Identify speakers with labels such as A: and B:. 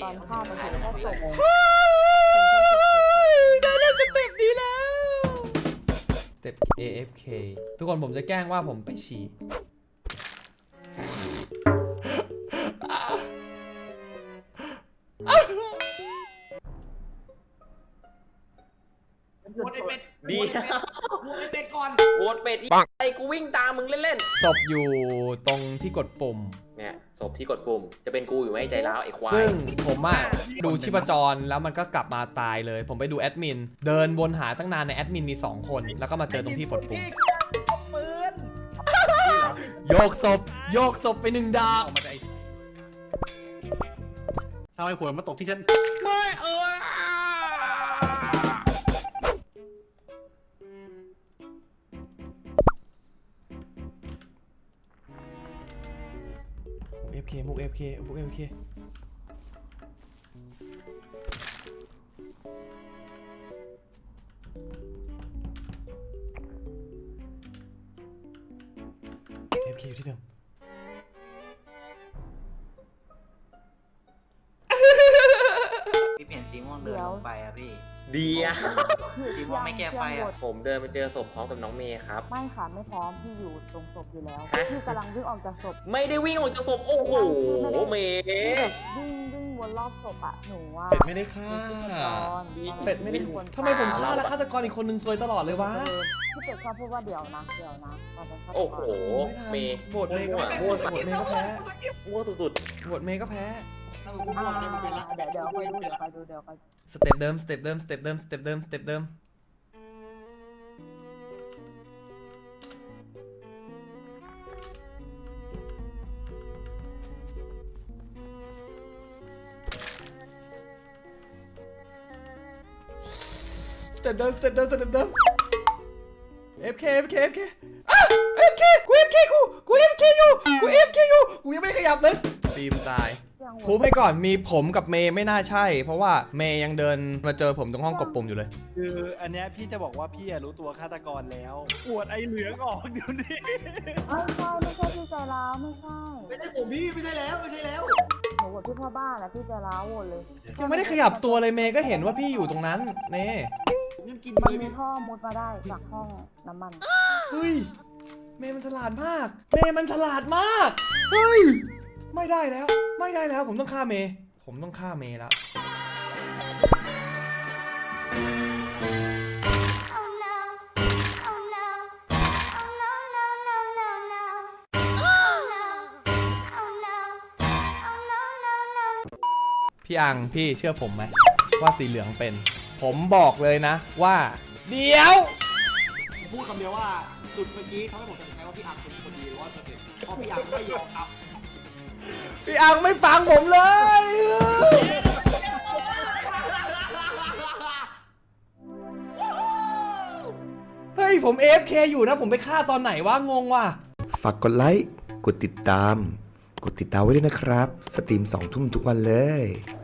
A: อนฆ่ามันเห็นแค่ศพ
B: ได้เล่นสเต็ปนี้แล้วสเต็ป AFK ทุกคนผมจะแกล้งว่าผมไปฉี่
C: โหวตไอเป็ด
D: ดี
C: โหวตไอเป็ดก่อน
D: โหวตเป็ดไอ้กูวิ่งตามมึงเล่น
B: ศพอยู่ตรงที่กดปุ่ม
D: ๆเนี่ยศพที่กดปุ่มจะเป็นกูอยู่ไหมใจร้าวไอ้ควาย
B: ซึ่งผมอะดูชีพจรแล้วมันก็กลับมาตายเลย ผมไปดูแอดมินเดินวนหาตั้งนานในแอดมินมี2 คนแล้วก็มาเจอตรงที่กดปุ่ม
C: ปืน
B: โยกศพไป1 ดาว
E: ทำไมหัวมาตกที่ฉัน
B: ไม่มุก FK อยู่ที่เดิม
F: พี่เปลี่ยนสีม่วงเดินลงไปอะพี่
D: ดีอะ
F: สีม่วงไม่แก้ไฟอะ
D: ผมเดินไปเจอศพพร้อมกับน้องเมย์ครับ
A: ไม่ค่ะไม่พร้อมพี่อยู่ตรงศพอยู่แล้วพี่กำลังวิ่งออกจากศพ
D: ไม่ได้วิ่งออกจากศพโอ้โหเมย์
A: วิ่งวนรอบศพอะหนูว่า
B: เป็ดไม่ได้ฆ่าเป็ดไม่ได้ทำไมผมฆ่าแล้วฆาตกรอีกคนนึงซวยตลอดเลยวะ
A: พี่เป็ดชอบพูดว่าเดี๋ยวนะตอนเป็นฆาตกร
D: โอ้โหเมย์
B: โหวตเมย์ก็แพ้โหวตเมย์ก็แพ้
D: มั่วสุด
B: โหวตเมย์ก็แพ้
C: ถ้ามึงพูดเนี่ยมึงเป็นละ
A: เดี๋ยวคอยดู
B: สเต็ปเดิมสเต็ปเดิมสเต็ปเดิม FK อ่ะ FK กู FK อยู่กูยังไม่ขยับเลยฟิล์มตายพูดให้ก่อนมีผมกับเมย์ไม่น่าใช่ เพราะว่าเมย์ยังเดินมาเจอผมตรงห้องกดปุ่มอยู่เลย
E: คืออันเนี้ยพี่จะบอกว่าพี่รู้ตัวฆาตกรแล้วปวดไอเหลืองออกเดี๋ยวนี้
A: ไม่ใช่พี่ใจร้าวไม่ใช่
C: ไม่ใช่ผมพี่ไม่ใช่แล้ว
A: หนูโหวตพี่พ่อบ้านนะพี่ใจร้าวโหวตเลย
B: ยังไม่ได้ขยับตัวเลยเมย์ก็เห็นว่าพี่อยู่ตรงนั้นเน่
C: ผมยังกิน
A: มัน
C: เลย
A: มี
C: พี่
A: ท่อมุดมาได้จากห้องน้ำมัน
B: เฮ้ยเมย์มันฉลาดมากเฮ้ยไม่ได้แล้วผมต้องฆ่าเมย์แล้ว
G: Oh no. Oh no. Oh no, no, no, no, no. Oh no. Oh no. Oh no, no, no.
B: พี่อังพี่เชื่อผมไหมว่าสีเหลืองเป็น ผมบอกเลยนะว่าเดี๋ยว
C: ผมพูดคำเดียวว่าจุดเมื่อกี้ทำให้ผมตัดสินใจว่าพี่อังเป็นคนดี100%เพราะพี่อังไม่ยอมครับ
B: พี่อังไม่ฟังผมเลย เฮ้ยผม AFK อยู่นะผมไปฆ่าตอนไหนวะงงว่ะ
H: ฝากกดไลค์ กดติดตามไว้ด้วยนะครับ สตรีม2 ทุ่มทุกวันเลย